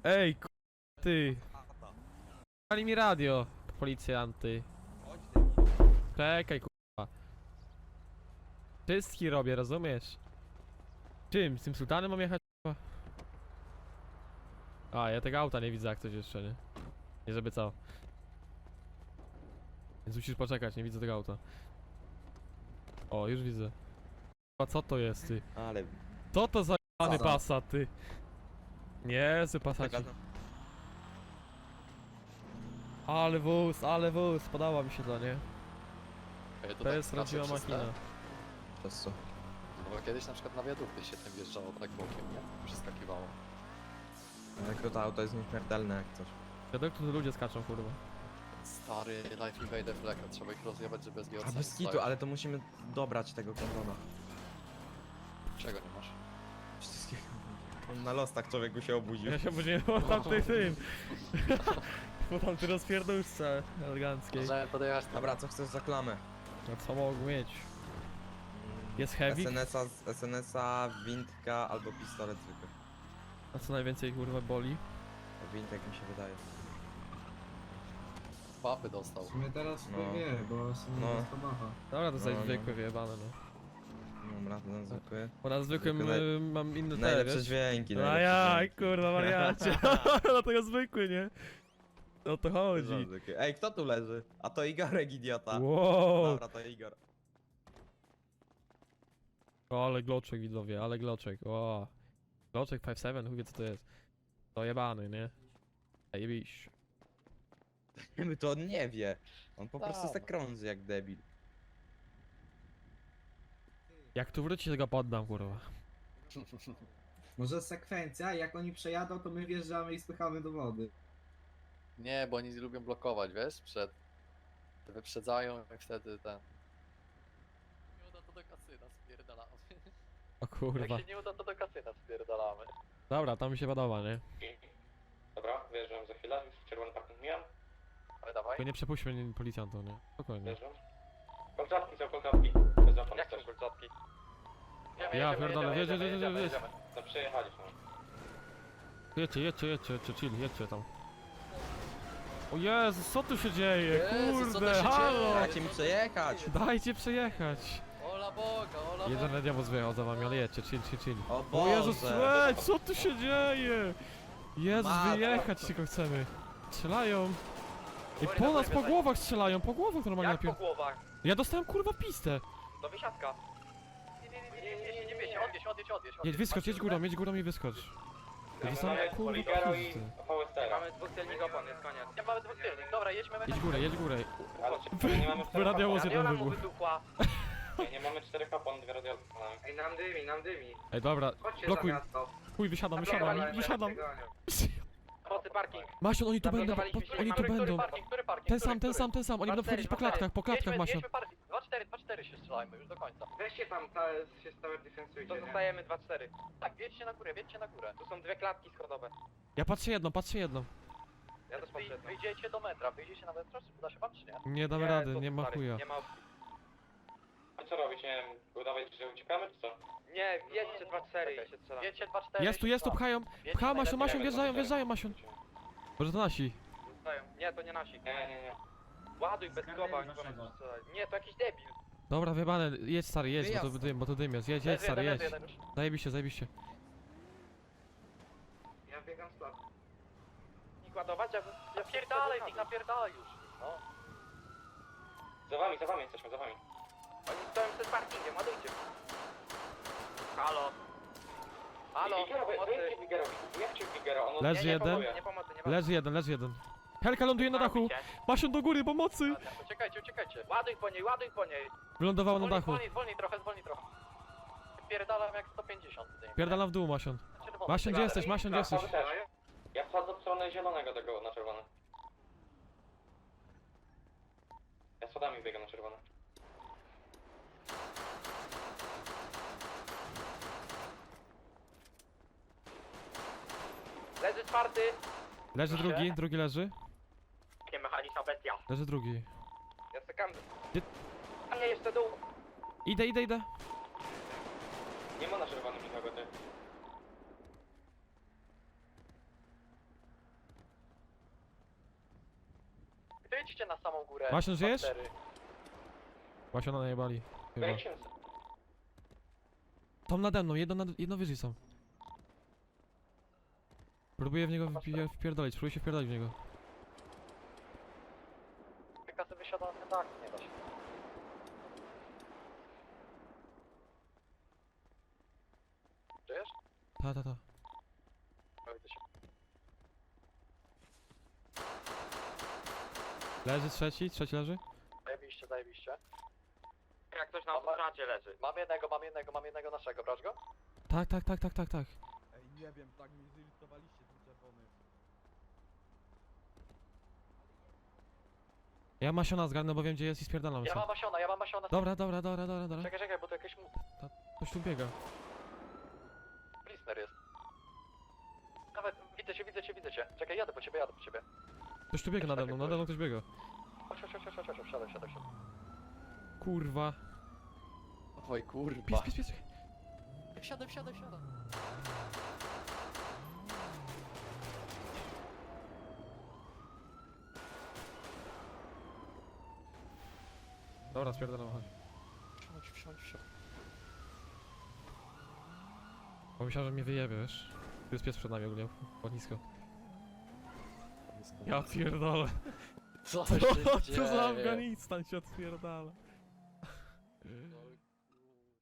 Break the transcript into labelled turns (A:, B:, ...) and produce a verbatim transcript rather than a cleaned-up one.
A: Ej, k***, ty. Pali mi radio, policjanty. Czekaj, k***a. Czystki robię, rozumiesz? Czym? Z tym sultanem mam jechać, k***a? A, ja tego auta nie widzę jak coś jeszcze, nie? Nie żeby co. Więc musisz poczekać, nie widzę tego auta. O, już widzę. A co to jest, ty?
B: Ale...
A: Co to za jebany
B: za?
A: Passat, ty? Nie, z Passacik. Ale wóz, ale wóz, podoba mi się to, nie?
C: Ej,
A: To
C: tak
A: jest
C: strasznie
A: prawdziwa
C: czyste.
A: machina.
B: Przez co?
C: No bo kiedyś na przykład na wiadukty się tym wjeżdżało tak bokiem, nie? Przeskakiwało.
B: Ale to auto jest nieśmiertelne jak coś.
A: Wiadomo, tu ludzie skaczą, kurwa.
C: Stary Life Invader Black, trzeba ich rozjebać, żeby z G O C
B: A bez kitu, ale to musimy dobrać tego kondona.
C: Czego nie masz?
B: Wszystkiego. On na lostach człowieku się obudził.
A: Ja się później po tamtej tym. Po tamtej rozpierdóżce eleganckiej.
C: Możemy podjechać tam.
B: Dobra, co chcesz za klamę?
A: A co mogę mieć? Jest heavy?
B: S N S-a, S N S-a, windka albo pistolet zwykły.
A: A co najwięcej kurwa boli?
B: Windek mi się wydaje.
C: Papy dostał.
D: W sumie teraz
B: No.
D: no. wie, bo są
B: No.
D: no. bacha.
A: Dobra, to
B: No,
A: jest
B: no.
A: zwykłe wyjebane, no.
B: Dobra, ten zwykły.
A: Bo na zwykłym
B: Zwykłe
A: y, mam inne te,
B: Najlepsze
A: wiesz?
B: dźwięki,
A: No
B: najlepsze
A: jak,
B: dźwięki.
A: kurwa wariacie. Dlatego zwykły, nie? O to chodzi.
B: Zwykły. Ej, kto tu leży? A to Igorek, idiota.
A: Wow.
B: Dobra, to Igor.
A: O, ale gloczek widzowie, ale gloczek, o. Gloczek pięć siedem, chuj wie co to jest. To jebany, nie? Jebiś.
B: My to on nie wie. On po prostu
C: Tam.
B: se krąży jak debil.
A: Jak tu wróci, tego poddam, kurwa.
D: Może sekwencja, jak oni przejadą, to my wjeżdżamy i spychamy do wody.
C: Nie, bo oni lubią blokować, wiesz? Przed... Wyprzedzają i wtedy ten... Nie uda to do kasyna, spierdalamy.
A: O kurwa.
C: Jak się nie uda to do kasyna, spierdalamy.
A: Dobra, to mi się podoba, nie?
E: Dobra, wyjeżdżam za chwilę, już czerwony parking mijam,
C: Ale dawaj.
A: Tylko nie przepuśćmy nie- policjantów, nie? Spokojnie.
E: wyjeżdżam. Kolczatki są kolczatki, bez opon
C: Jak
E: też.
C: są kolczatki?
A: Ja pierdolę, jedź, jedź, jedź, jedź, jedź.
E: No przejechaliśmy.
A: Jedźcie, jedźcie, jedźcie, jedźcie, chill, jedźcie tam. O Jezus, co tu się dzieje?
C: Jezu, co tu
A: Kurde,
C: się
A: halo!
C: dzieje?
B: Dajcie mi przejechać!
A: Dajcie przejechać!
C: Ola Boga, Ola
A: Jeden
C: Boga.
A: radiowóz wyjechał za wami, ale jedźcie, chill, chill, chill.
B: O
A: O
B: Boże!
A: Jezus, ej, co tu się dzieje? Jezus,
B: Matko.
A: wyjechać tylko chcemy. Strzelają. I po nas, po głowach strzelają, po głowach normalnie
F: Jak po
A: najpierw.
F: głowach?
A: Ja dostałem kurwa pistę.
F: Do wysiadka. Nie, nie, nie, nie, nie, nie, nie wiecie, odjedź, odjedź, odjedź.
A: Jedź, wyskocz, jedź górą, jedź górą i wyskocz. Ja dostałem
E: Mamy
A: kurwa
E: Poligaro i
A: pistę.
E: V S T.
F: Mamy dwóch celnik opon, jest koniec.
C: Nie mamy dwóch tylnych, dobra, jedźmy
A: Jedź górę, jedź górę.
E: Ale czy nie mamy
A: W
E: czterech
A: radiowóz
E: opon?
A: jeden
F: Radiola mu
A: wybuch.
F: wybuchła.
E: Nie, nie mamy czterech opon, dwie radiolki mamy.
D: Ej, nam dymi, nam dymi.
A: Ej, dobra,
D: Chodźcie
A: blokuj.
D: za miasto.
A: Chuj, wysiadam, wysiadam, wysiadam.
F: Pomocy parking.
A: Masion, oni tu będą, po,
F: Zablokowaliśmy
A: oni tu
F: Który
A: będą.
F: parking, który parking?
A: Ten
F: który,
A: sam, ten
F: który?
A: sam, ten sam, oni będą
F: dwa cztery,
A: wchodzić po
F: dwa cztery.
A: klatkach, po klatkach,
F: Jedźmy,
A: Masion.
F: jedźmy parking.
C: dwa cztery, dwa cztery się strzelajmy już do końca.
D: Weźcie tam, ta, się stałe defensujcie,
F: To zostajemy dwa cztery.
C: Tak, wiedźcie na górę, wiedźcie na górę.
F: Tu są dwie klatki schodowe.
A: Ja patrzę jedną, patrzę jedną.
F: Ja też
C: Wy,
F: patrzę.
C: wyjdziecie do metra, wyjdziecie na metro, czy uda się wam, czy nie?
A: Nie damy rady, nie ma chuja.
F: Nie ma opcji.
E: A co robić? Nie wiem, udawać, że uciekamy, czy co?
F: Nie, jedźcie dwa cztery i się strzelamy.
C: Wiedźcie dwa cztery.
A: Jest tu, jest tu, pchają. Pcha, Masion, Masion, wjeżdżają, wjeżdżają, Masion. Może to nasi.
F: Zostają. Nie, to nie nasi.
E: Nie, nie, nie.
F: Ładuj bez skoba, oni będą strzelać. Nie, to jakiś debil.
A: Dobra, wyjebane, jedź stary, jedź, bo to
B: Wyjazd.
A: dym, bo to dym jest. Jedź, jedź stary, jedź. Zajebiście, zajebiście.
D: Ja biegam z placu.
F: Nikt ładować, ja bym... Ja
C: Napierdalaj, ich napierdalaj już. No.
E: Za wami, za wami jesteśmy, za wami.
F: Oni stoją przed parkingiem, ładujcie. Halo. Halo,
E: Figaro,
F: pomocy.
E: wyjedźcie Figarowi. Jak cię Figaro? On
A: Leży
F: Nie, nie
A: jeden.
F: pomocy, nie pomocy, nie pomocy.
A: Leży jeden, leży jeden. Helka ląduje na dachu. Masion do góry, pomocy.
C: Uciekajcie, uciekajcie.
F: Ładuj po niej, ładuj po niej.
A: Wylądowała na
C: Zwolnij,
A: dachu.
C: zwolnij, zwolnij trochę, zwolnij trochę. Pierdalam jak sto pięćdziesiąt. tutaj.
A: Pierdalam w dół, Masion.
C: Czerwony.
A: Masion, gdzie jesteś, Masion, gdzie jesteś?
E: Też. Ja wchodzę w stronę zielonego tego na czerwony. Ja schodami biegam na czerwony.
F: Leży czwarty.
A: Leży drugi, drugi leży.
F: Nie, mechaniczna bestia.
A: Leży drugi.
F: Ja sekam.
A: Gdzie-
F: A nie, jeszcze dół.
A: Idę, idę, idę.
E: Nie ma na czerwonym nikogo, ty.
C: Przejdźcie na samą górę.
A: Masion, żyjesz?
C: Baktery.
A: Właśnie na najebali. Chyba.
E: Wejdźcie.
A: Tam nade mną, jedno, nad, jedno wyżej są. Próbuję w niego wpi- wpierdolić, próbuję się wpierdolić w niego.
C: Kasy wysiada na tak, nie da się. Żyjesz?
A: Ta, ta, ta.
C: No, widzę się.
A: Leży trzeci, trzeci leży.
C: Zajebiście, zajebiście.
F: Jak ktoś na autostradzie leży.
C: Mam jednego, mam jednego, mam jednego naszego, brać go?
A: Tak, tak, tak, tak, tak, tak.
B: Ej, nie wiem, tak mi zirytowaliście tym czerwonym.
A: Ja Masiona zgarnę, bo wiem gdzie jest i spierdalam
C: Ja
A: się.
C: mam Masiona, ja mam Masiona.
A: Dobra, dobra, dobra, dobra, dobra.
C: Czekaj, czekaj, bo to jakiś mu...
A: Ktoś tu biega.
C: Blister jest. Nawet, widzę cię, widzę cię, widzę cię. Czekaj, jadę po ciebie, jadę po ciebie.
A: Ktoś tu biega nade mną, nade mną ktoś biega.
C: Chodź, chodź, chodź, chodź, chodź, chodź, wsiadaj, wsiadaj, wsiadaj.
A: Kurwa.
C: Oj, kurwa.
A: Pies, pies, pies.
C: Wsiadaj, wsiadaj, wsiadaj.
A: Dobra, spierdalam, chodź.
C: Wsiądź, wsiądź, wsiądź.
A: Bo myślałem, że mnie wyjebie, wiesz? Tu jest pies przed nami ogólnie, po nisko. Ja pierdolę.
C: Co
A: Co,
C: się
A: co
C: dzieje?
A: za Afganistan się odpierdala.